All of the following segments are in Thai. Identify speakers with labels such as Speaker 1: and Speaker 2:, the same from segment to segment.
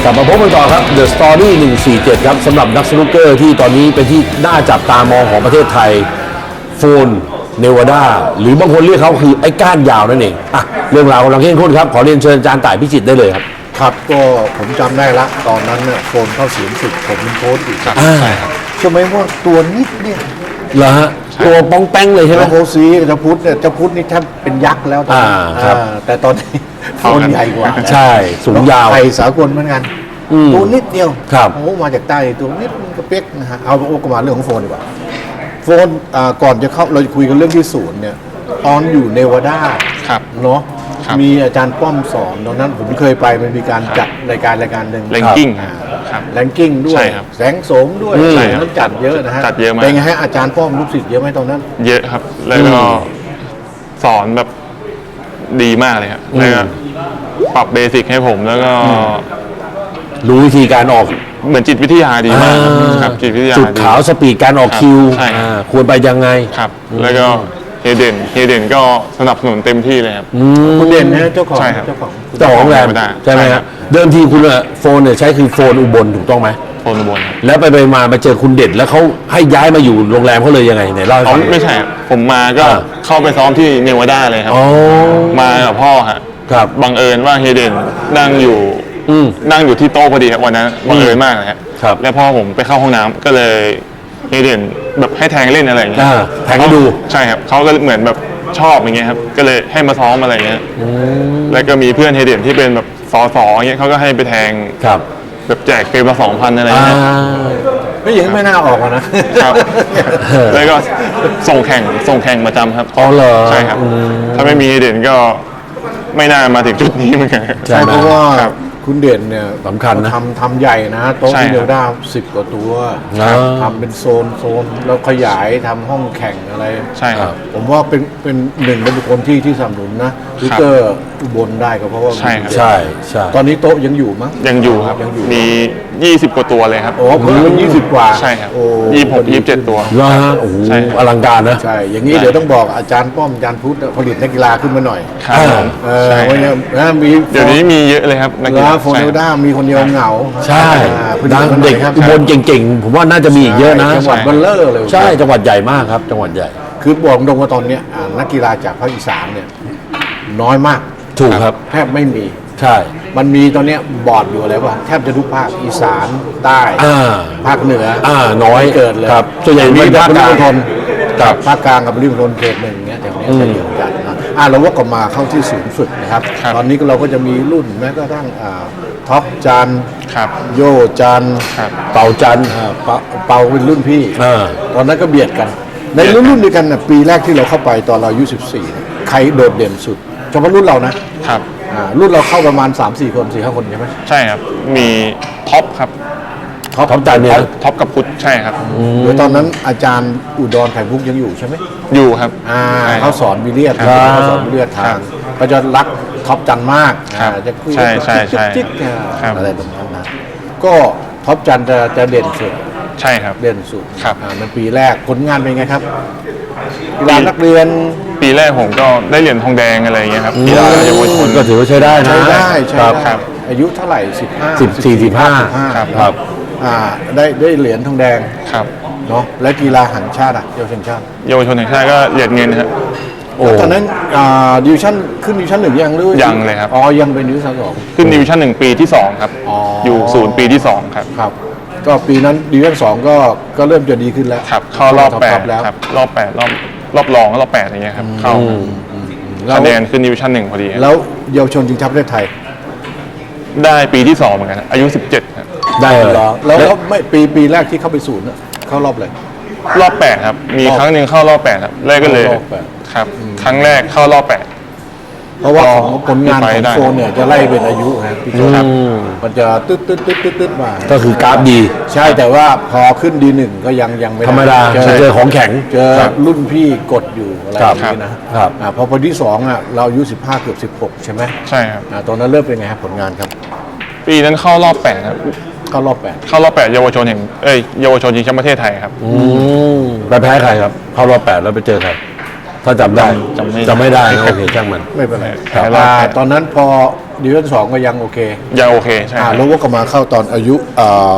Speaker 1: กลับมาพบกันต่อครับ The Story 147 ครับสำหรับนักสนุกเกอร์ที่ตอนนี้เป็นที่น่าจับตามองของประเทศไทยโฟนเนวาดาหรือบางคนเรียกเขาคือไอ้ก้านยาวนั่นเองอ่ะเรื่องราวกำลังเข้มข้นครับขอเรียนเชิญอาจารย์ต่ายพิจิตรได้เลยครับ
Speaker 2: ครับก็ผมจำได้ละตอนนั้นเนี่ยโฟนเข้าเสียงสุดผมเป็นโค้ชอีกครับ
Speaker 1: ใช่ครับ
Speaker 2: ใช่ไหมว่าตัวนิดเนี่ย
Speaker 1: เหรอฮะตัวป้องแป้งเลยใช่ไหม
Speaker 2: แล้วโคซีเจ้าพุทธเนี่ยเจ้าพุทธนี่แทบเป็นยักษ์แล้วตอนนี้
Speaker 1: ครับ
Speaker 2: แต่ตอนนี้โฟนใหญ่กว่า
Speaker 1: ใช่สูงยาว
Speaker 2: ไทยสากลเหมือนกันตัวนิดเดียว
Speaker 1: ครับ
Speaker 2: โอ้มาจากใต้ตัวนิดกระเป๊กนะฮะเอาโอ้ก็มาเรื่องของโฟนดีกว่าโฟนก่อนจะเข้าเราจะคุยกันเรื่องที่ศูนย์เนี่ยตอนอยู่เนวาดา
Speaker 3: ครับ
Speaker 2: เนาะ
Speaker 3: ครับ
Speaker 2: มีอาจารย์ป้อมสอนตอนนั้นผมเคยไปมันมีการจัดรายการหนึ่ง
Speaker 3: ranking
Speaker 2: อ่า
Speaker 3: ครับ
Speaker 2: แรงกิ้งด้วย
Speaker 3: ใช่ครับ
Speaker 2: แสงโสมด้วย
Speaker 3: ใช่ครับ
Speaker 2: นั้นจัดเยอะนะฮะ
Speaker 3: จัดเยอะมาก
Speaker 2: เป็นไงฮะอาจารย์ป้อมลูกศิษย์เยอะไหมตอนนั้น
Speaker 3: เยอะครับ แล้วก็สอนแบบดีมากเลยครับแล้วก็ปรับเบสิกให้ผมแล้วก็
Speaker 1: รู้วิธีการออก
Speaker 3: เหมือนจิตวิทยาดีมากครับจิตวิทยา
Speaker 1: จุด
Speaker 3: ดี
Speaker 1: ขาวสปีดการออกคิว
Speaker 3: ใช่ครับ
Speaker 1: ควรไปยังไง
Speaker 3: ครับ แล้วก็เฮเดนก็สนับสนุนเต็มที่เลยครับ
Speaker 2: คุณเด่นนะเจ้าของ
Speaker 3: ใช่ครับ
Speaker 2: เจ้าของ
Speaker 1: เจ้าของแรม
Speaker 3: ไม่ได้
Speaker 1: ใช่ไหม
Speaker 3: ใช่
Speaker 1: ค
Speaker 3: ครั
Speaker 1: รับบ เดิมทีคุณอะโฟนเนี่ยใช้คือโฟนอุบลถูกต้องไหม
Speaker 3: โฟนอุบลครับ
Speaker 1: แล้วไปมาเจอคุณเด่นแล้วเขาให้ย้ายมาอยู่โรงแรมเขาเลยยังไงไหนเล่าให้
Speaker 3: อ๋อ
Speaker 1: ฟัง
Speaker 3: ไม่ใช่ครับผมมาก็
Speaker 1: อ่า
Speaker 3: เข้าไปซ้อมที่เนวาดาเลยครับ
Speaker 1: อ๋อ
Speaker 3: มากับพ่อฮะ
Speaker 1: ครับ
Speaker 3: บังเอิญว่าเฮเดนนั่งอยู่ นั่งอยู่ที่โต๊ะพอดีครับวันนั้นบังเอิญมากเลยครับ
Speaker 1: ครับ
Speaker 3: แล้วพ่อผมไปเข้าห้องน้ำก็เลยเฮเดนแบบให้แทงเล่นอะไรอย่างเงี้ย
Speaker 1: แทงให้ดู
Speaker 3: ใช่ครับเขาก็เหมือนแบบชอบอย่างเงี้ยครับก็เลยให้มาซ้อมอะไรอย่างเงี้ยแล้วก็มีเพื่อนเฮเดนที่เป็นแบบสออย่างเงี้ยเขาก็ให้ไปแทง
Speaker 1: ครับ
Speaker 3: แบบแจกเกมละ 2,000อะไรอ
Speaker 1: อ่า
Speaker 3: ย่างเงี้ย
Speaker 2: ไม่อย่างนั้นไม่น่าออกอะนะครับ
Speaker 3: แล้วก็ส่งแข่งประจำครับ
Speaker 1: อ๋อเหรอ
Speaker 3: ใช่ครับ ถ้าไม่มีเฮเดนก็ไม่น่ามาถึงจุดนี้เหมือนกัน
Speaker 1: ใช่
Speaker 2: เพราะว่า
Speaker 3: ครับ
Speaker 2: คุณเด่นเนี่ย
Speaker 1: สำคัญนะ
Speaker 2: ทำใหญ่นะโต๊ะ
Speaker 3: ใช่
Speaker 2: ที่
Speaker 3: ครับ
Speaker 2: เนวาดา10 กว่าตัว
Speaker 1: ครับ
Speaker 2: ทำเป็นโซนแล้วขยายทำห้องแข่งอะไร
Speaker 3: ใช่ครับ
Speaker 2: ผมว่าเป็นหนึ่งเป็นบุคคลที่สนับสนุนนะทวิตเตอร์อุบลได้ก็เพราะว่า
Speaker 3: ใช่ครับ
Speaker 1: ใช่ใช่
Speaker 2: ตอนนี้โต๊ะยังอยู่มั้ง
Speaker 3: ยังอยู่ครับ
Speaker 2: ยังอยู่
Speaker 3: มี 20 กว่าตัวเลยครับ
Speaker 2: โอ้ผมเป็น20 กว่า
Speaker 3: ใช่ครับ
Speaker 2: โอ้
Speaker 3: 26 27 ตัว
Speaker 1: แล้วฮะโอ้โห
Speaker 3: ใช่ครับ
Speaker 1: อลังการนะ
Speaker 2: ใช่ อย่างนี้เดี๋ยวต้องบอกอาจารย์ป้อมอาจารย์พุทธผลิตนักกีฬาขึ้นมาหน่อย
Speaker 3: ครับผม
Speaker 2: ใช่
Speaker 3: ใช่
Speaker 2: ว่ามี
Speaker 3: เดี๋ยวนี้มีเยอะเลยครับนักกี
Speaker 2: แล้
Speaker 3: ฬาว
Speaker 2: โฟนเนวาดามีคนเดียวเหงา
Speaker 1: ใช่
Speaker 2: ผลิต
Speaker 1: ดัง
Speaker 2: มาหน่
Speaker 1: เด็
Speaker 2: อย
Speaker 1: ก
Speaker 2: ครับ
Speaker 1: อุบลเก่งๆ ผมว่าน่าจะมีอีกเยอะนะ
Speaker 2: จังหวัดเบลเลอร์เลย
Speaker 1: ใช่จังหวัดใหญ่มากครับ จังหวัดใหญ่
Speaker 2: คือบอกตรงว่าตอนเนี้ยนักกีฬาจากภาคอีสานเนี่ยน้อยมาก
Speaker 1: ถูกครับ
Speaker 2: แทบไม่มี
Speaker 1: ใช่
Speaker 2: มันมีตอนเนี้ยบอร์ดอยู่อะไรวะแทบจะทุกภาคอีสานใต้
Speaker 1: อ่า
Speaker 2: ภาคเหนือ
Speaker 1: น้อย
Speaker 2: เกิดเลย
Speaker 1: ครับส่วนใหญ่
Speaker 2: มี
Speaker 1: มี
Speaker 2: ภา
Speaker 1: ภา
Speaker 2: ค
Speaker 1: ค
Speaker 2: ก
Speaker 1: ก
Speaker 2: ลา
Speaker 1: ลาง ง
Speaker 2: ทน
Speaker 1: ครับ
Speaker 2: ภาคกลางกับริมณฑลเขตหนึ่งเนี้ยแถวเนี้ยจะเยอะกันนะเราว่าก็มาเข้าที่ศูนย์ฝึกนะครับ
Speaker 3: ครับ
Speaker 2: ตอนนี้เราก็จะมีรุ่นแม้กระทั่งท็อปจัน
Speaker 3: ครับ
Speaker 2: โยจัน
Speaker 3: ครับ
Speaker 1: เป่าจันทร์
Speaker 2: เปาเป็นรุ่นพี่ ตอนนั้นก็เบียดกัน ในรุ่นเดียวกันน่ะปีแรกที่เราเข้าไปตอนเราอายุ14เนี่ยใครโดดเด่นสุดเฉพาะรุ่นเรานะครับ รุ่นเราเข้าประมาณ 3-4 คน 4-5 คนใช่ไหม
Speaker 3: ใช่ครับ มีท็อปครับ
Speaker 1: ท็อปจันทร์เนี่ยนะ
Speaker 3: ท็อปกับพุทธใช่ครับ
Speaker 2: โดยตอนนั้นอาจารย์อุดรไข่มุกยังอยู่ใช่ไหม
Speaker 3: อยู่ครับ ใช่
Speaker 2: เขาสอนวิเลียด
Speaker 3: ครับ
Speaker 2: เขาสอนวิเลียดทา
Speaker 3: ครั
Speaker 2: ง
Speaker 3: บ
Speaker 2: ก็จะรักท็อปจันมาก
Speaker 3: ครับ
Speaker 2: จะคุย
Speaker 3: ใช่ใช่ใช่
Speaker 2: จิ๊ก
Speaker 3: ครับ
Speaker 2: อะไรแบบนั้นนะก็ท็อปจันจะเด่นสุด
Speaker 3: ใช่ครับ
Speaker 2: เด่นสุด
Speaker 3: ครับ
Speaker 2: มันปีแรกผลงานเป็นไงครับกีฬานักเรียน
Speaker 3: ปีแรกผมก็ได้เหรียญทองแดงอะไรอย่างเงี้ยครับกีฬาเยาวชน
Speaker 1: ก็ถือว่าใช้ได้นะ
Speaker 2: ใช้ได้ใช้
Speaker 1: ครับ
Speaker 2: ได้
Speaker 3: ครับ
Speaker 2: อายุเท่าไหร่15
Speaker 1: 14-15
Speaker 3: ครับ
Speaker 1: ครับ
Speaker 2: ได้เหรียญทองแดง
Speaker 3: ครับ
Speaker 2: เนาะและกีฬาแห่งชาติเยาวชนชาติ
Speaker 3: เยาวชนแห่งชาติก็เหรียญเงินครับ
Speaker 1: โอ้
Speaker 2: ตอนนั้นดิวชั่นขึ้นดิวชั่น1ยังหรือ
Speaker 3: ยังเลยครับ
Speaker 2: อ๋อยังเป็นดิวชั่น2
Speaker 3: ขึ้นดิวิชั่น1ปีที่ 2 ครับ
Speaker 2: อ๋ออ
Speaker 3: อยู่ศูนย์ปีที่ 2 ครับ
Speaker 2: ครับ ก็ปีนั้นดิวชั่น2ก็เริ่มจะดีขึ้นแล้ว
Speaker 3: ครับ เข้ารอบ
Speaker 2: ท็อปแล้ว
Speaker 3: 8ครับ รอบ 8 รอบรองรอบ 8 อย่างเงี้ยครับ เข้าครับ
Speaker 2: แล้ว
Speaker 3: คะแนนขึ้นดิวิชั่น1พอดีครับ
Speaker 2: แล้วเยาวชนชิงแชมป์ประเทศไทย
Speaker 3: ได้ปีที่ 2 เหมือนกันครับอายุ 17 ครับ
Speaker 1: ได้เลย
Speaker 2: แล้วไม่ปีแรกที่เข้าไปศูนย์น่ะเข้ารอบเลย
Speaker 3: รอบ 8 ครับ มีครั้งหนึ่งเข้ารอบ 8 ครับแรกก็เลย
Speaker 2: เข้ารอบแปด
Speaker 3: ครับ ครั้งแรกเข้ารอบ 8
Speaker 2: เพราะว่าของผลงาน
Speaker 3: ไป
Speaker 2: ของ
Speaker 3: ได้
Speaker 2: โฟนเนี่ยจะไล่เป็นอายุนะพี่โจครับมันจะตึ๊ดมา
Speaker 1: ก็คือกราฟดี
Speaker 2: ใช่แต่ว่าพอขึ้นD1ก็ยังไม่ไ
Speaker 1: ธรรมดา เจอของแข็ง
Speaker 2: เจอรุ่นพี่กดอยู่อะไร
Speaker 1: ค
Speaker 2: อ
Speaker 1: รับ
Speaker 2: ย่างนี้นะครับ พอที่2เราอายุ15เกือบ16ใช่ไหม
Speaker 3: ใช่ครับ
Speaker 2: ตอนนั้นเริ่มเป็นไงครับผลงานครับ
Speaker 3: ปีนั้นเข้ารอบ 8 ครับ
Speaker 2: เข้ารอบ
Speaker 3: เข้ารอบ 8 เยาวชนแห่งเยาวชนชิงแชมป์ประเทศไทยครับ
Speaker 1: ไปแพ้ใครครับ เข้ารอบ8แล้วไปเจอใคร ถ้าจำได้
Speaker 3: จำไม่ได้
Speaker 1: จำไม่ได้นะโอเคช่างมัน
Speaker 2: 8ไม่เป็นไร
Speaker 3: ครับ
Speaker 2: ตอนนั้นพอดิวิชั่น2ก็ยังโอเค
Speaker 3: ยังโอเคใช่ครับ
Speaker 2: แล้วว่าก็มาเข้าตอนอายุ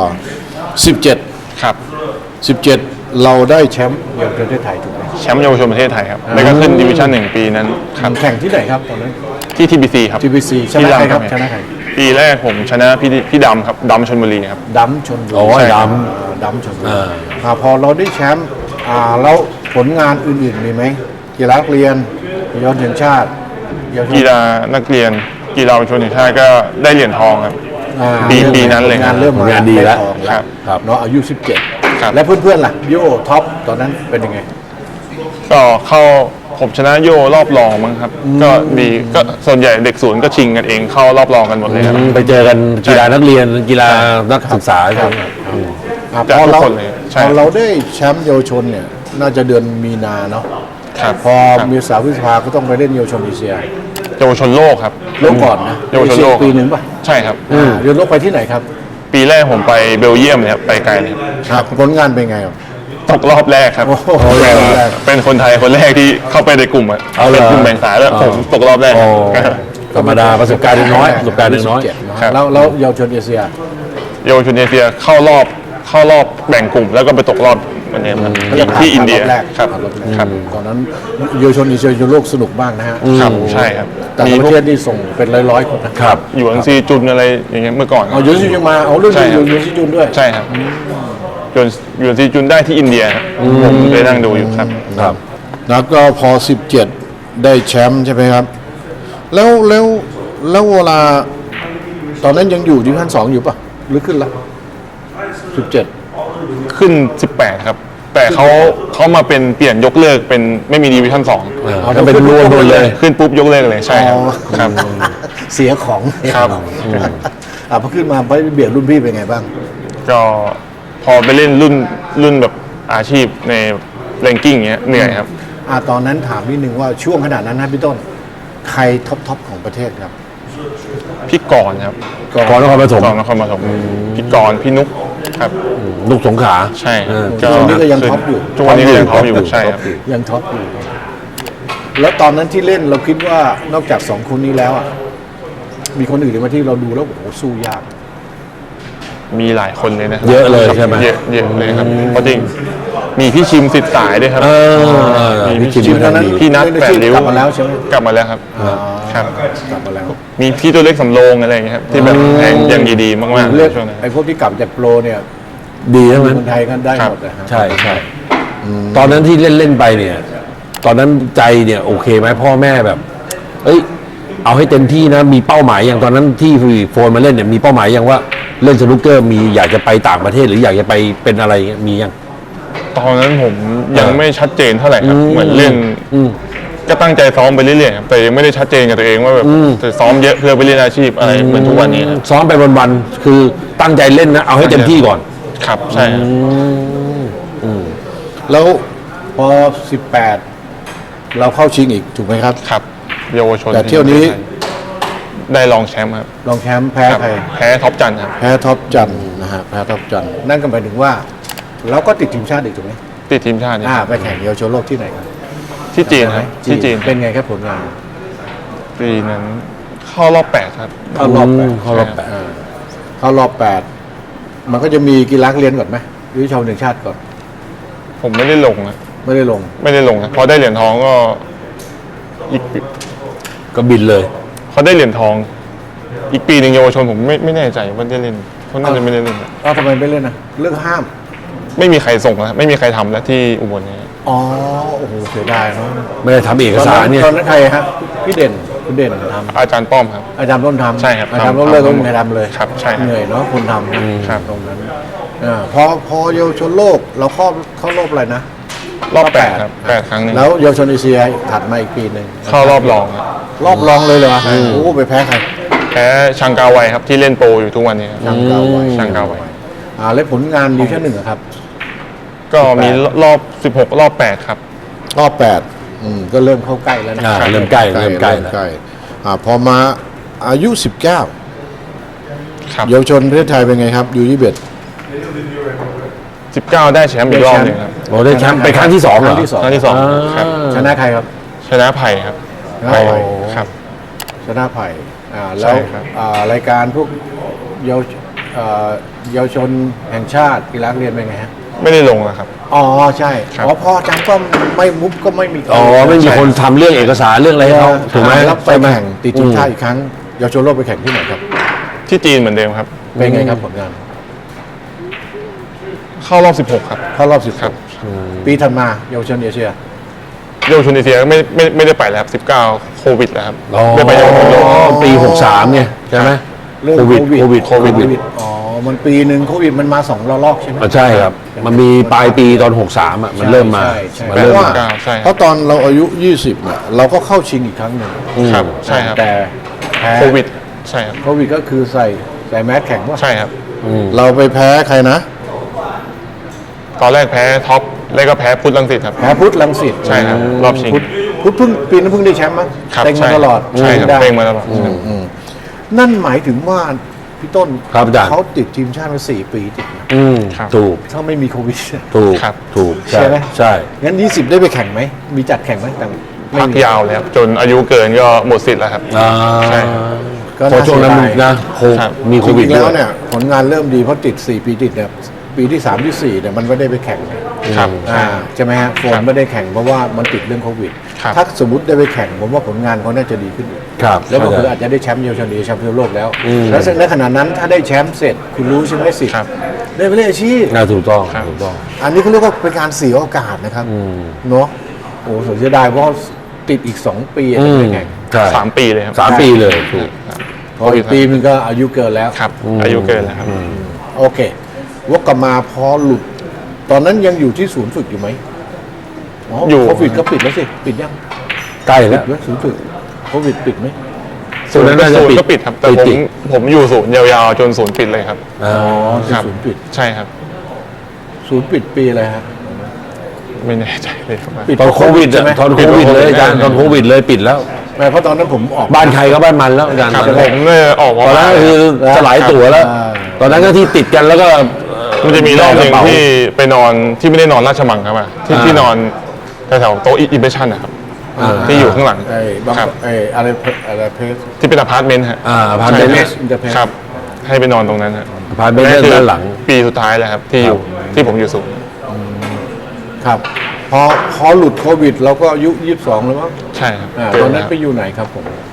Speaker 2: 17
Speaker 3: ครับ
Speaker 2: 17 เราได้แชมป์เยาวชนประเทศไทยถูกไหม
Speaker 3: แชมป์เยาวชนประเทศไทยครับแล้วก็ขึ้นดิวิชั่น1ปีนั้นครับ
Speaker 2: แข่งที่ไหนครับตอนนั้น
Speaker 3: ที่ TBC ครับ
Speaker 2: TBC ชนะใครครับชนะใคร
Speaker 3: ปีแรกผมชนะพี่ดำครับดำชลบุรีครับ
Speaker 2: ดัมชนบุรี
Speaker 1: โอ้ยด
Speaker 2: ดัมชนบุรีพอเราได้แชมป์แล้วผลงานอื่นๆมีไหมกีฬานักเรียนเยาวชนแห่งชาติเยาวชน
Speaker 3: กีฬานักเรียนกีฬาเยาวชนแห่งชาติก็ได้เหรียญทองครับ ปีนั้นเลย
Speaker 2: งานเริ่ม
Speaker 1: ผลงานดีแล้ว
Speaker 2: ไครับ เนาะอายุ
Speaker 3: ครับ
Speaker 2: 17 และเพื่อนๆล่ะโย่ท็อปตอนนั้นเป็นยังไง
Speaker 3: ก็เข้าผมชนะโยรอบรองมั้งครับ ก็ดีก็ส่วนใหญ่เด็กศูนย์ก็ชิงกันเองเข้ารอบรองกันหมดเลยครับ
Speaker 1: ไปเจอกันกีฬานักเรียนกีฬานักศึกษาครับ
Speaker 3: จาก
Speaker 2: พอ
Speaker 3: ทุก
Speaker 2: เรา
Speaker 3: คนเลยใช่
Speaker 2: พอเราได้แชมป์เยาวชนเนี่ยน่าจะเดือนมีนาเนาะ
Speaker 3: ครับ
Speaker 2: พอ
Speaker 3: ครับ
Speaker 2: มีสาวพฤษภาก็ต้องไปเล่นเยาวชนเอเชีย
Speaker 3: เยาวชนโลกครับ
Speaker 2: โลกก่อนนะ
Speaker 3: เยาวชนโลก
Speaker 2: เอเชียปีหนึ่งป่ะ
Speaker 3: ใช่ครับ
Speaker 2: เรียนโลกไปที่ไหนครับ
Speaker 3: ปีแรกผมไปเบลเยียมเลยครับไปไกลเลยครับ
Speaker 2: ผลงานเป็นไงครับ
Speaker 3: ตกรอบแรกครับ
Speaker 2: โอ้โห
Speaker 3: เป็น
Speaker 2: รอบแรก
Speaker 3: เป็นคนไทยคนแรกที่เข้าไปในกลุ่มอะ
Speaker 1: เอาเหรอ
Speaker 3: เป็นกลุ่มแบ่งสายแล้วผมตกรอบแรก
Speaker 1: โอ้ธรรมดาประสบการณ์น้อยประสบการณ์น้อย
Speaker 3: ครับ
Speaker 2: แล้วเยาวชนเอเชีย
Speaker 3: เยาวชนเอเชียเข้ารอบแบ่งกลุ่ม แล้วก็ไปตกรอบวันนี้ครับ
Speaker 2: เขาเรียก
Speaker 3: ที่อินเดีย
Speaker 2: ผ่ารอบแรก
Speaker 3: ครับ
Speaker 2: ผ่านรอบแรก
Speaker 3: ครับ
Speaker 2: ตอนนั้นเยาวชนเอเชียโลกสนุกมากนะฮะ
Speaker 3: ครับใช่ครับ
Speaker 2: แต่
Speaker 3: มี
Speaker 2: ละป
Speaker 3: พว
Speaker 2: ระ
Speaker 3: ก
Speaker 2: เทศนี่ส่งเป็นร้อยๆคนนะครับ
Speaker 3: อยู่อังซีจุนอะไรอย่างเงี้ยเมื่อก่อน
Speaker 2: เอายูซิจุนมาเอาเรื่อง
Speaker 3: ใช่ครับ
Speaker 2: ยูซิจุนด้วย
Speaker 3: ใช่ครับอยู่ซีจุนได้ที่อินเดียครับผมไปนั่งดูอยู่ครับ
Speaker 1: ครับ
Speaker 2: แล้วก็พอ 17 ได้แชมป์ใช่ไหมครับ แล้วเวลาตอนนั้นยังอยู่ดิวิชั่น2อยู่ป่ะหรือขึ้นละ17
Speaker 3: ขึ้น 18 ครับ แต่เขามาเป็นเปลี่ยนยกเลิกเป็นไม่มีดิวิชั่น2
Speaker 1: ก็เป็นรวมหมดเลย
Speaker 3: ขึ้นปุ๊บยกเลิกเลยใช่ครับ
Speaker 2: อ๋อ
Speaker 3: ครับ
Speaker 2: เสียของ
Speaker 3: ครับ
Speaker 2: พอขึ้นมาไปเบียดรุ่นพี่เป็นไงบ้าง
Speaker 3: ก็พอไปเล่นรุ่นแบบอาชีพในแรงกิ้งเงี้ยเหนื่อยครับ
Speaker 2: ตอนนั้นถามนิดนึงว่าช่วงขนาดนั้นนะพี่ต้น ใครท็อปของประเทศครับ
Speaker 3: พี่กรณ์ครับ
Speaker 1: ก่อนนครปฐม
Speaker 3: กรณ์นครปฐมพี่กรณ์พี่นุกครับ
Speaker 1: ลูกสงขลา
Speaker 3: ใช่
Speaker 1: เออ
Speaker 2: ทุกวันนี้ก็ยังท็อปอยู่
Speaker 3: ทุกวันนี้ก็ยังท็อปอยู่ใช่ครับ
Speaker 2: ยังท็อปอยู่ แล้วตอนนั้นที่เล่นเราคิดว่านอกจาก2คนนี้แล้วอ่ะมีคนอื่นไหมที่เราดูแล้วโอ้โหสู้ยาก
Speaker 3: มีหลายคนเลยนะครั
Speaker 1: เยอะเลย
Speaker 3: ครับ
Speaker 1: ใช่ไหม
Speaker 3: เยอะเลยครับเพราะจริงมีพี่ชิมสิทธิ์สายด้วยครับ
Speaker 1: มี
Speaker 2: ชิ
Speaker 1: ชิ
Speaker 2: ม
Speaker 1: ม
Speaker 2: ตอนนั้น
Speaker 3: พี่นัท
Speaker 2: เล่น
Speaker 3: แป
Speaker 2: อาชี
Speaker 3: ด
Speaker 2: พ
Speaker 3: ริ้ว
Speaker 2: กลับมาแล้วใช่ไหม
Speaker 3: กลับมาแล้วครับครับ
Speaker 2: กลับมาแล้ว
Speaker 3: มีพี่ตัวเล็กสำโรงอะไรอย่างเงี้ยครับที่แบบยังดีๆมากๆ
Speaker 2: เรียก
Speaker 3: ช่วงนั้น
Speaker 2: ไอ้พวกที่กลับจากโปรเนี่ย
Speaker 1: ดีใช่ไหม
Speaker 2: คนไทยก็ได้หมดนะฮะ
Speaker 1: ใช่ใช่ตอนนั้นที่เล่นไปเนี่ย ตอนนั้นใจเนี่ยโอเคไหมพ่อแม่แบบ เอ้ย เอาให้เต็มที่นะมีเป้าหมายอย่างตอนนั้นที่โฟนมาเล่นเนี่ยมีเป้าหมายอย่างว่าเล่นสนุกเกอร์มีอยากจะไปต่างประเทศหรืออยากจะไปเป็นอะไรเงี้ยมียัง
Speaker 3: ตอนนั้นผมยังไม่ชัดเจนเท่าไหร่ครับเหมือนเล่นก็ตั้งใจซ้อมไปเรื่อยๆครับแต่ยังไม่ได้ชัดเจนกับตัวเองว่าแบบจะซ้อมเยอะเพื่อไปเล่นอาชีพอะไรเหมือนทุกวันนี้ครับ
Speaker 1: ซ้อมไปวันๆคือตั้งใจเล่นนะเอาให้เต็มที่ก่อน
Speaker 3: ครับใช่ครับ
Speaker 2: แล้วพอ 18 เราเข้าชิงอีกถูกไหมครับ
Speaker 3: ครับเยาวชน
Speaker 2: แต่เที่ยวนี้
Speaker 3: ได้รองแชมป์ครับ
Speaker 2: รองแชมป์แพ้
Speaker 3: ครับ
Speaker 2: ใคร
Speaker 3: แพ้ท็อปจันทร์ครับ
Speaker 2: แพ้ท็อปจันทร์นะฮะแพ้ท็อปจันทร์นั่นก็หมายถึงว่าเราก็ติดทีมชาติอีกถูกไหม
Speaker 3: ติดทีมชาตินี่
Speaker 2: ไปแข่งเยาวชนโลกที่ไหนครับ
Speaker 3: ที่จีนครับที่จีน
Speaker 2: เป็นไงครับผลงาน
Speaker 3: ปีนั้นเข้ารอบ 8 ครับ
Speaker 2: เข้ารอบแปด
Speaker 1: เข้ารอบแปด
Speaker 2: เข้ารอบ8มันก็จะมีกีฬาเรียนก่อนไหมหรือชาวหนึ่งชาติก่อน
Speaker 3: ผมไม่ได้ลงนะ
Speaker 2: ไม่ได้ลง
Speaker 3: ไม่ได้ลงนะพอได้เหรียญทองก็อีก
Speaker 1: ก็บินเลย
Speaker 3: เขาได้เหรียญทอง อีกปีหนึ่งเยาวชนผมไม่แน่ใจว่าได้เล่นเขาน่าจะไม่ได้เล่นนะ
Speaker 2: ทำไมไม่เล่นนะเรื่องห้าม
Speaker 3: ไม่มีใครส่งแล้วไม่มีใครทำแล้วที่อุบลเนี่ย
Speaker 2: อ๋อโอ้โหเสียดายเนาะ
Speaker 1: ไม่ได้ทำเอกสารเนี่ย
Speaker 2: ตอนนั้นใครครับพี่เด่นคุณเด่นทำ
Speaker 3: อาจารย์ป้อมครับ
Speaker 2: อาจารย์ต้นทำ
Speaker 3: ใช่ครับ
Speaker 2: อาจารย์
Speaker 3: ทำ
Speaker 2: ต้นเลิกก็
Speaker 3: ทำ
Speaker 2: ไม่มีใครทำเลย
Speaker 3: ครับใช่ครับ
Speaker 2: เหนื่อยเนาะคนทำ
Speaker 3: ครับ
Speaker 2: ตรงนั้นพอเยาวชนโลกเราเข้ารอบอะไรนะ
Speaker 3: รอบ 8 ครับ 8 ครั้งหนึง
Speaker 2: แล้วเยาวชนเอเชียถัดมาอีกปีหนึ่ง
Speaker 3: เข้ารอบรองครับ
Speaker 2: รอบรองเลยเหรอโอ้โหไปแพ้ใคร
Speaker 3: แพ้ชังกาไวครับที่เล่นโปรอยู่ทุกวันนี้ครับ
Speaker 2: ชังกาไว
Speaker 3: ชังกาไว
Speaker 2: แล้วผลงานดิวิชั่น1อะครับ
Speaker 3: ก็มีรอบ 16 รอบ 8 ครับ
Speaker 2: รอบ8ก็เริ่มเข้าใกล้แล้วนะ
Speaker 1: เริ่มใกล้เริ่มใกล้
Speaker 2: เริ่ม
Speaker 1: แล้ว
Speaker 2: ใกล้พอมาอายุ 19
Speaker 3: ครับ
Speaker 2: เยาวชนประเทศไทยเป็นไงครับยูยี่เบ็ด
Speaker 3: 19 ได้แชมป์อีกรอบหนึงครับ
Speaker 1: โอ้ได้แชมป์ไปครั้งที่สองเหรอ
Speaker 2: ครั้งที่สอง
Speaker 3: ครั้งที่2ครับ
Speaker 2: ชนะใครครับ
Speaker 3: ชนะไผ่ครับ
Speaker 2: ชนะไผ่
Speaker 3: ครับ
Speaker 2: ชนะไผ่แล้ว
Speaker 3: ใช่ครับ
Speaker 2: รายการพวกเยาวเยาวชนแห่งชาติกีฬาเรียนเป็นไงฮะ
Speaker 3: ไม่ได้ลงนะครับ
Speaker 2: อ๋อใช่
Speaker 3: ครับ
Speaker 2: อ๋อพ่ออาจารย์ก็ไม่มุกก็ไม่มี
Speaker 1: อ๋อไม่มีคนทำเรื่องเอกสารเรื่องอะไรให้เขาถูกไหม
Speaker 2: แล้วไป
Speaker 1: ใช่ไหม
Speaker 2: แข่งติดทีมชาติอีกครั้งเยาวชนโลกไปแข่งที่ไหนครับ
Speaker 3: ที่จีนเหมือนเดิมครับ
Speaker 2: เป็นไงครับผลงาน
Speaker 3: เข้ารอบ 16 ครับ
Speaker 2: เข้ารอบ10
Speaker 3: ครับ
Speaker 2: ปีถัดมาเยาวชนเอเชีย
Speaker 3: เยาวชนเอเชียไม่ได้ไปแล้วครับ19โควิดแล้วครับ
Speaker 1: อ๋อ
Speaker 3: ได้ไปเยาวชนโลก
Speaker 1: ปี63ไงใช่ไหม
Speaker 2: เรื่อง
Speaker 1: โควิด
Speaker 2: โควิดอ๋อมันปีหนึ่งโควิดมันมา2 ระลอกใช่ไหม
Speaker 1: ใช่ครับ มันมีปลายปีตอน63อ่ะมันเริ่มมา
Speaker 2: ใช่
Speaker 1: มัน
Speaker 2: เพ
Speaker 1: เริ่ม
Speaker 2: ราะว่า
Speaker 1: มา
Speaker 3: ใช่ครับ
Speaker 2: เพราะตอนเราอายุ 20เนี่ยเราก็เข้าชิงอีกครั้งหนึ่ง
Speaker 3: ครับใช่ครับ
Speaker 2: แต่แพ้
Speaker 3: โควิดใช่ครับ
Speaker 2: โควิดก็คือใส่แมสแข่งว่า
Speaker 3: ใช่ครับ
Speaker 2: เราไปแพ้ใครนะ
Speaker 3: ตอนแรกแพ้ท็อปแล้วก็แพ้พุทธลังสิตครับ
Speaker 2: แพ้พุทธลังสิต
Speaker 3: ใช่ครับรอบชิง
Speaker 2: พุทธเพิ่งปีนั้นเพิ่งได้แชมป์มั้ง
Speaker 3: ครับ
Speaker 2: เต็งมาตลอด
Speaker 3: ใช่ครับ
Speaker 2: ได้
Speaker 3: เต็งมาตลอด
Speaker 2: นั่นหมายถึงว่าพี่ต้น
Speaker 1: ครับอาจารย์
Speaker 2: เขาติดทีมชาติมา4 ปีติดนะ
Speaker 3: ครับ
Speaker 1: ถูก
Speaker 2: ถ้าไม่มีโควิด
Speaker 1: ถูก
Speaker 3: ครับ
Speaker 1: ถูก
Speaker 2: ใช่ไหม
Speaker 1: ใช่
Speaker 2: งั้น20ได้ไปแข่งไหมมีจัดแข่งไหมแต่ไม่
Speaker 3: พัก
Speaker 2: มี
Speaker 3: ยาวเลยครับจนอายุเกินก็หมดสิทธิ์แล้วครับ
Speaker 1: อ่า
Speaker 3: ใช่
Speaker 2: ก็
Speaker 1: พอ
Speaker 2: น่า
Speaker 1: ช่วงนั้น
Speaker 2: เสียดาย
Speaker 1: นะ
Speaker 3: ครับ
Speaker 1: มีโควิด
Speaker 2: จริงๆ
Speaker 1: ด้
Speaker 2: แล้ว วย เนี่ยผลงานเริ่มดีเพราะติด4 ปีติดเนี่ยปีที่3ที่4เนี่ยมันไม่ได้ไปแข่ง
Speaker 3: ครับ
Speaker 2: ใช่ไหมฮะโฟ
Speaker 3: ครั
Speaker 2: น
Speaker 3: บ
Speaker 2: ไม่ได้แข่งเพราะว่ามันติดเรื่องโควิด
Speaker 3: ครับ
Speaker 2: ถ้าสมมติได้ไปแข่งผมว่าผลงานเขาน่าจะดีขึ้นอีก
Speaker 1: ครับ
Speaker 2: แล้วก็คืออาจจะได้แชมป์เยาวชนดีแชมป์โลกแล้ว
Speaker 1: อืม
Speaker 2: แล้วในขณะนั้นถ้าได้แชมป์เสร็จคุณรู้ใช่ไหมสิทธิ์
Speaker 3: ครับ
Speaker 2: ได้ไปเล่นอาชีพ
Speaker 1: น่าถูกต้อง
Speaker 3: ครับ
Speaker 1: ถูกต้อง
Speaker 2: อันนี้เขาเรียกว่าเป็นการเสียโอกาสนะครับเนาะโอ้เสียดายเพราะติดอีก2 ปีจะไปแข่ง
Speaker 1: ใช่
Speaker 3: 3 ปีเลยครับ
Speaker 1: 3 ปีเลยถูก
Speaker 2: พออีกปีมันก็อายุเกินแล้ว
Speaker 3: ครับอายุเกินแล้วครับ
Speaker 2: โอเควกกลับมาพอหลุด ตอนนั้นยังอยู่ที่ศูนย์ฝึกอยู่ไหมอยู่โควิดก็ปิดแล้วสิ ปิดยัง
Speaker 1: ใกล้
Speaker 2: ปิ
Speaker 1: แล้
Speaker 2: ด
Speaker 1: ว
Speaker 2: ไว้ศูนย์ฝึกโควิดปิดไหม
Speaker 1: ส่วนนั้นน่าจะ
Speaker 3: ศูน
Speaker 1: ปิด
Speaker 3: ย์ก็ปิดครับ แต่
Speaker 1: ปิด
Speaker 3: ผมอยู่ศูนย์ยาวๆจนศูนย์ปิดเลยครับ
Speaker 1: อ่า
Speaker 2: ที่
Speaker 3: ครับ
Speaker 2: ศูนย์ปิด
Speaker 3: ใช่ครับ
Speaker 2: ศูนย์ปิดปีอะไรฮะ
Speaker 3: ไม่แน่ใจเลยครับ
Speaker 2: ปิด
Speaker 1: ตอนโควิด
Speaker 2: ใช่ไหม
Speaker 1: ตอนโควิดเลยอาจารย์ตอนโควิดเลยปิดแล้ว
Speaker 2: ไม่เพราะตอนนั้นผมออก
Speaker 1: บ้านใครก็บ้านมันแล้วอาจารย์
Speaker 3: ครับ
Speaker 1: ตอน
Speaker 3: ผ
Speaker 1: นั้น
Speaker 3: มเนี่ยออก
Speaker 1: ตอนนั้นก็คือสลายตั๋วแล้ว ตอนนั้นก็ที่ติดกันแล้วก็
Speaker 3: มันจะมีรอบหนึ่ง
Speaker 1: กระเป๋า
Speaker 3: ที่ไปนอนที่ไม่ได้นอนราชมังครับอะที่นอนแถวๆโต๊ะอิมเพรสชั่นนะครับ ที่อยู่ข้างหลัง
Speaker 2: ไอ้บาง
Speaker 3: ครับ
Speaker 2: ไอ้อะไรเพส
Speaker 3: ที่เป็นอพาร์ตเมนต์ฮะ
Speaker 1: พาร์ทเมนต์
Speaker 2: เพสอินเตอร์เพส
Speaker 3: ครับ ให้ไปนอนตรงนั้นฮะ
Speaker 1: พาร์ทเมนต์
Speaker 3: นั่นคือ
Speaker 1: ด้านหลัง
Speaker 3: ปีสุดท้ายแล้วครับที่อยู่ที่ผมอยู่ศูนย์
Speaker 2: ครับพอหลุดโควิดเราก็อายุ22แล้วมั้ง
Speaker 3: ใช่ครับ
Speaker 2: ตอนนั้นไปอยู่ไหนครับผม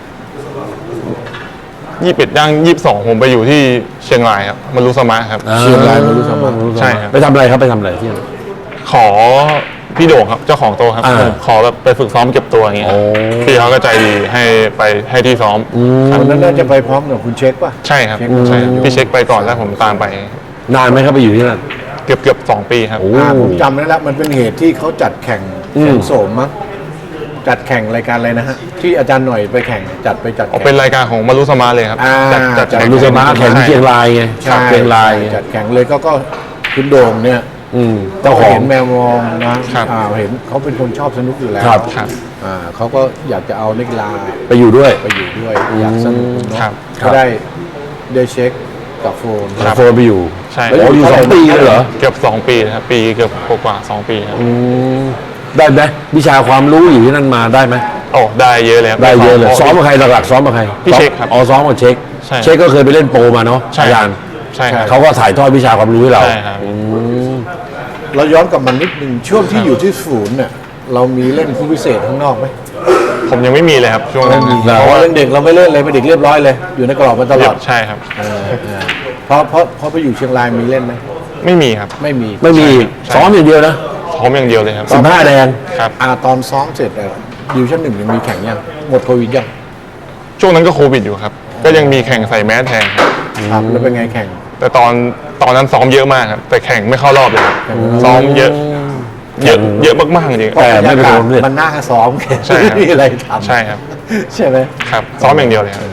Speaker 3: 21ย่าง22ผมไปอยู่ที่เชียงรายครับมารุสมะครับ
Speaker 2: เชียงรายมารู้สมัคร
Speaker 3: ใช่ครับ
Speaker 1: ไปทำอะไรครับไปทำอะไรที่นั่น
Speaker 3: ขอพี่โด่งครับเจ้าของโต๊ะครับ
Speaker 1: อ่า
Speaker 3: ขอแบบไปฝึกซ้อมเก็บตัวอย่างเงี้ย
Speaker 1: โอ้
Speaker 3: พี่เขาก็ใจดีให้ไปให้ที่ซ้อม
Speaker 2: ตอนนั้นน่าจะไปพร้อมกับคุณเช็คป่ะ
Speaker 3: ใช่ครับ
Speaker 2: เช็ค
Speaker 3: ใช่ครับพี่เช็คไปก่อนแล้วผมตามไป
Speaker 1: นานไหมครับไปอยู่ที่นั่น
Speaker 3: เกือบ2 ปีครับ
Speaker 1: โอ้
Speaker 2: ผมจำได้แล้วมันเป็นเหตุที่เขาจัดแข่งโสมมั้งจัดแข่งรายการอะไรนะฮะที่อาจารย์หน่อยไปแข่งจัด
Speaker 3: ออก
Speaker 2: แข่ง
Speaker 3: เป็นรายการของมารุสมาเลยครับ
Speaker 2: อ่า
Speaker 3: จัด
Speaker 2: จัด
Speaker 3: แข่ง
Speaker 1: ลูกสมาแข่งที่เชียงรายไง
Speaker 2: ใช่
Speaker 1: เชียงรายไง
Speaker 2: จัดแข่งเลยก็คุณโด่งเนี่ย
Speaker 1: เจ้าของ
Speaker 2: เห็นแมวมองนะครับ เห็นเขาเป็นคนชอบสนุกอยู่แล้ว
Speaker 1: ครับ
Speaker 3: ครับ
Speaker 2: เขาก็อยากจะเอานักกีฬา
Speaker 1: ไปอยู่ด้วย
Speaker 2: ไปอยู่ด้วยอยากสนุกเนาะ
Speaker 3: ครับ
Speaker 2: ก็ได้เช็คกับโฟน
Speaker 3: ครับ
Speaker 1: โฟนไปอยู่
Speaker 3: ใช่
Speaker 2: แล้ว
Speaker 1: โอ้อยู่2 ปีเลยเหรอ
Speaker 3: เกือบ2 ปีนะครับปีเกือบกว่า2 ปีครับ
Speaker 1: ได้ไหมวิชาความรู้อยู่ที่นั่นมาได้ไหม
Speaker 3: โอ้ได้เยอะเลยครับ
Speaker 1: ได้เยอะเลยซ้อมกับใครหลักๆซ้อมกับใคร
Speaker 3: พี่เช็คครับ
Speaker 1: อ๋อซ้อมกับเช็ค
Speaker 3: ใช่
Speaker 1: เช็คก็เคยไปเล่นโปรมาเนาะ
Speaker 3: ใช่
Speaker 1: อาจารย์
Speaker 3: ใช่ครับ
Speaker 1: เขาก็ถ่ายทอดวิชาความรู้ให้เรา
Speaker 3: ใช่ครับ
Speaker 2: เราย้อนกลับมานิดนึงช่วงที่อยู่ที่ศูนย์เนี่ยเรามีเล่นผู้พิเศษข้างนอกไหม
Speaker 3: ผมยังไม่มีเลยครับช่วงนั้น
Speaker 2: เพราะว่าเรื่องเด็กเราไม่เล่นเลยเป็นเด็กเรียบร้อยเลย อยู่ในกรอบมาตลอด
Speaker 3: ใช่ครับ
Speaker 2: เพราะไปอยู่เชียงรายมีเล่นไหม
Speaker 3: ไม่มีครับ
Speaker 2: ไม่มี
Speaker 1: ไม่มี
Speaker 3: ใช่
Speaker 1: ซ้อมอย่างเดียวนะ
Speaker 3: ซ้อมอย่างเดียวเลยครับ
Speaker 1: 15 แดง
Speaker 3: ครับ
Speaker 2: ตอนซ้อมเสร็จดิวชั่นหนึ่งยังมีแข่งยังหมดโควิดยัง
Speaker 3: ช่วงนั้นก็โควิดอยู่ครับ ก็ยังมีแข่งใส่แมสแทนครับ
Speaker 2: ครับแล้วเป็นไงแข่ง
Speaker 3: แต่ตอนนั้นซ้อมเยอะมากครับ แต่แข่งไม่เข้ารอบเลยครับซ้อมเยอะมากๆจริง
Speaker 1: แต่ไม่เป็นผลเลย
Speaker 2: มันน่าซ้อมแค่
Speaker 3: ใช่ครับ
Speaker 2: ไม่มีอะไรทำ
Speaker 3: ใช่ครับ
Speaker 2: ใช่ไหม
Speaker 3: ครับ ซ้อมอย่างเดียวเลยครับ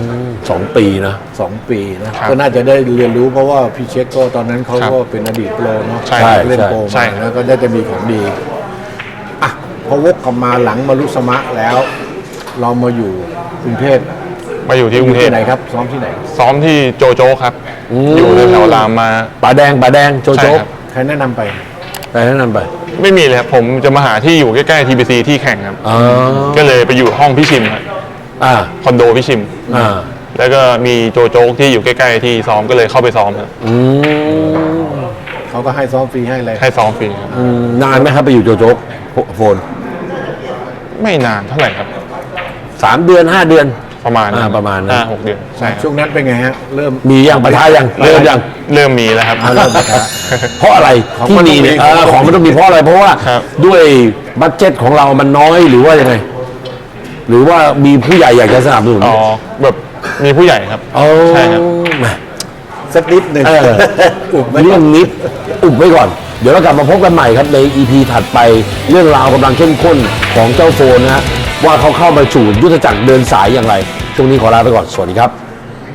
Speaker 1: 2 ปีนะ
Speaker 2: 2 ปีนะครับ ก็น่าจะได้เรียนรู้เพราะว่าพี่เช็คก็ตอนนั้นเขา
Speaker 3: ครับ
Speaker 2: ก็เป็นอดีตโปรเนาะ
Speaker 3: ใช่
Speaker 2: เล่นโปร
Speaker 3: ใช่
Speaker 2: มาแล้วก็ได้จะมีของดีอ่ะพอวกกลับมาหลังมารุสมะแล้ว เรามาอยู่กรุงเทพ
Speaker 3: มาอยู่ที่กรุงเทพ
Speaker 2: ที่ไหนครับซ้อมที่ไหน
Speaker 3: ซ้อมที่โจโจ้ครับ อยู่แถวๆรามมา
Speaker 1: ป่าแดงโจ
Speaker 3: ใช่
Speaker 1: โจ๊
Speaker 3: ครับ
Speaker 2: ใครแนะนำไป
Speaker 1: ไปแนะนำไป
Speaker 3: ไม่มีเลยครับผมจะมาหาที่อยู่ใกล้ๆ TBC ที่แข่งครับ
Speaker 1: อ๋อ
Speaker 3: ก็เลยไปอยู่ห้องพี่ชิมครับคอนโดพี่ชิม แล้วก็มีโจโจ๊กที่อยู่ใกล้ๆที่ซ้อมก็เลยเข้าไปซ้อมครับ
Speaker 2: เขาก็ให้ซ้อมฟรีให้เลย
Speaker 3: ให้ซ้อมฟรีครับ
Speaker 1: นานไหมครับไปอยู่โจโจ๊กโฟน
Speaker 3: ไม่นานเท่าไหร่ครับ
Speaker 1: 3 เดือน 5 เดือน
Speaker 3: ประมาณ
Speaker 1: ประมาณนั้น
Speaker 3: 6 เดือนใช่ครับ
Speaker 2: ช่วงนั้นเป็นไงฮะ เริ่ม
Speaker 1: มียังปะทะยังเริ่มยัง
Speaker 3: เริ่มมีแล้วครับ
Speaker 2: เริ่มปะทะ
Speaker 1: เพราะอะไร
Speaker 2: ของ
Speaker 1: ที่
Speaker 2: มัน
Speaker 1: มี
Speaker 2: ต้องมี
Speaker 1: เนี่ยของมันต้องมีเพราะอะไรเพราะว่า
Speaker 3: ครับ
Speaker 1: ด้วยบัดเจ็ตของเรามันน้อยหรือว่ายังไง หรือว่ามีผู้ใหญ่อยากจะสนับสนุน
Speaker 3: อ๋อแบบมีผู้ใหญ่ครับ
Speaker 1: โอ้
Speaker 3: ใช่ครับ
Speaker 1: แหม
Speaker 2: สักนิดหนึ่ง
Speaker 1: เออ
Speaker 2: อุบไว้
Speaker 1: เรื่องนิดอุบไว้ก่อน เดี๋ยวเรากลับมาพบกันใหม่ครับใน EP ถัดไปเรื่องราวกำลังเข้มข้นของเจ้าโฟนนะฮะว่าเขาเข้ามาสู่ยุทธจักรเดินสายอย่างไร ช่วงนี้ขอลาไปก่อน สวัสดีครับ